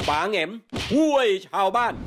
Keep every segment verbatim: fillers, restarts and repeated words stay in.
ป๋าแหง่มช่วยชาวบ้าน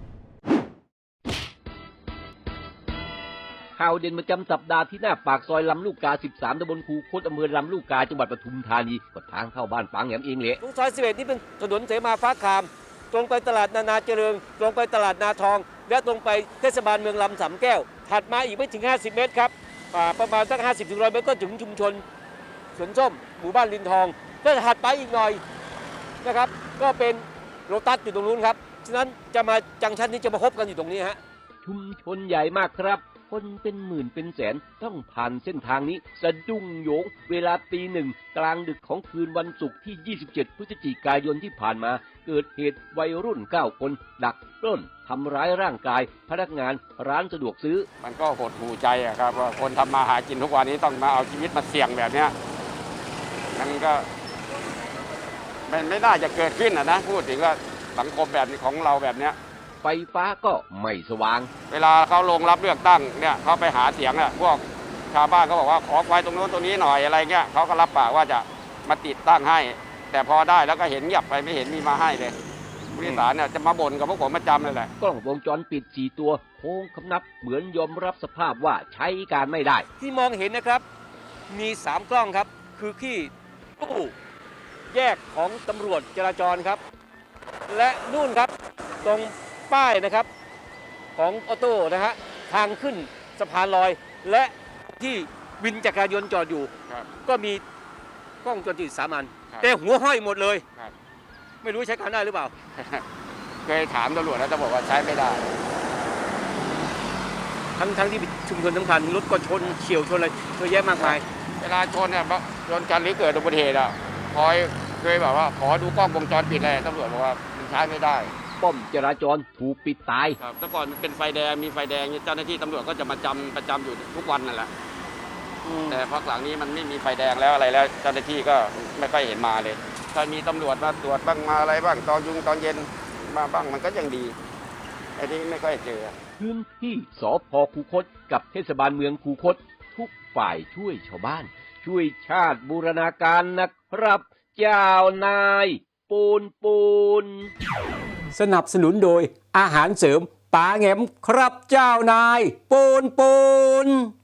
ข่าวเด่นประจำสัปดาห์ที่หน้าปากซอยลำลูกกา สิบสาม ตำบลคูคตอำเภอลำลูกกาจังหวัดปทุมธานีก็ทางเข้าบ้านป๋าแหง่มเองแหละตรงซอยสิบเอ็ดนี่เป็นถนนเสมาฟ้าคามตรงไปตลาดนานาเจริญตรงไปตลาดนาทองและตรงไปเทศบาลเมืองลำสำแก้วถัดมาอีกไม่ถึงห้าสิบเมตรครับประมาณสักห้าสิบถึงหนึ่งร้อยเมตรก็ถึงชุมชนสวนส้มหมู่บ้านลินทองก็ถัดไปอีกหน่อยนะครับก็เป็นโลตัสอยู่ตรงนู้นครับฉะนั้นจะมาจังชันนี้จะมาพบกันอยู่ตรงนี้ฮะชุมชนใหญ่มากครับคนเป็นหมื่นเป็นแสนต้องผ่านเส้นทางนี้สะดุ้งโยงเวลาตีหนึ่งกลางดึกของคืนวันศุกร์ที่ยี่สิบเจ็ดพฤศจิกายนที่ผ่านมาเกิดเหตุวัยรุ่นเก้าคนดักปล้นทำร้ายร่างกายพนักงานร้านสะดวกซื้อมันก็หดหู่ใจอะครับว่าคนทำมาหากินทุกวันนี้ต้องมาเอาชีวิตมาเสี่ยงแบบนี้มันก็มันไม่น่าจะเกิดขึ้นนะพูดถึงว่าสังคมแบบนี้ของเราแบบนี้ไฟฟ้าก็ไม่สว่างเวลาเขาลงรับเลือกตั้งเนี่ยเขาไปหาเสียงอะพวกชาวบ้านเขาบอกว่าขอไฟตรงโน้นตรงนี้หน่อยอะไรเงี้ยเขาก็รับปากว่าจะมาติดตั้งให้แต่พอได้แล้วก็เห็นเงียบไปไม่เห็นมีมาให้เลยผู้โดยสารเนี่ยจะมาบ่นกับพวกผมประจำเลยแหละกล้องวงจรปิดสี่ตัวโค้งคำนับเหมือนยอมรับสภาพว่าใช้การไม่ได้ที่มองเห็นนะครับมีสามกล้องครับคือที่ตู้แยกของตำรวจจราจรครับและนู่นครับตรงป้ายนะครับของออโต้นะฮะทางขึ้นสะพานลอยและที่วินจักรยานยนต์จอดอยู่ก็มีกล้องวงจรปิดสามอันแต่หัวห้อยหมดเลยไม่รู้ใช้การได้หรือเปล่าเคยถามตำรวจแล้วตำรวจว่าใช้ไม่ได้ทั้งทั้งที่ชุมชนสำคัญรถก็ชนเฉียวชนอะไรเยอะแยะมากมายเวลาชนเนี่ยชนกันหรือเกิดอุบัติเหตุอ่ะคอยเคยแบบว่าขอดูกล้องวงจรปิดเลยตำรวจบอกว่ามันใช้ไม่ได้ป้อมจราจรถูกปิดตายครับแต่ก่อนมันเป็นไฟแดงมีไฟแดงเจ้าหน้าที่ตำรวจก็จะมาจำประจำอยู่ทุกวันนั่นแหละแต่พักหลังนี้มันไม่มีไฟแดงแล้วอะไรแล้วเจ้าหน้าที่ก็ไม่ค่อยเห็นมาเลยถ้ามีตำรวจมาตรวจบ้างมาอะไรบ้างตอนยุงตอนเย็นมาบ้างมันก็ยังดีไอ้นี่ไม่ค่อยเจอพื้นที่สภ.คูคตกับเทศบาลเมืองคูคตทุกฝ่ายช่วยชาวบ้านช่วยชาติบูรณาการนะครับเจ้านายปูนปูนสนับสนุนโดยอาหารเสริมป๋าแหง่มครับเจ้านายปูนปูน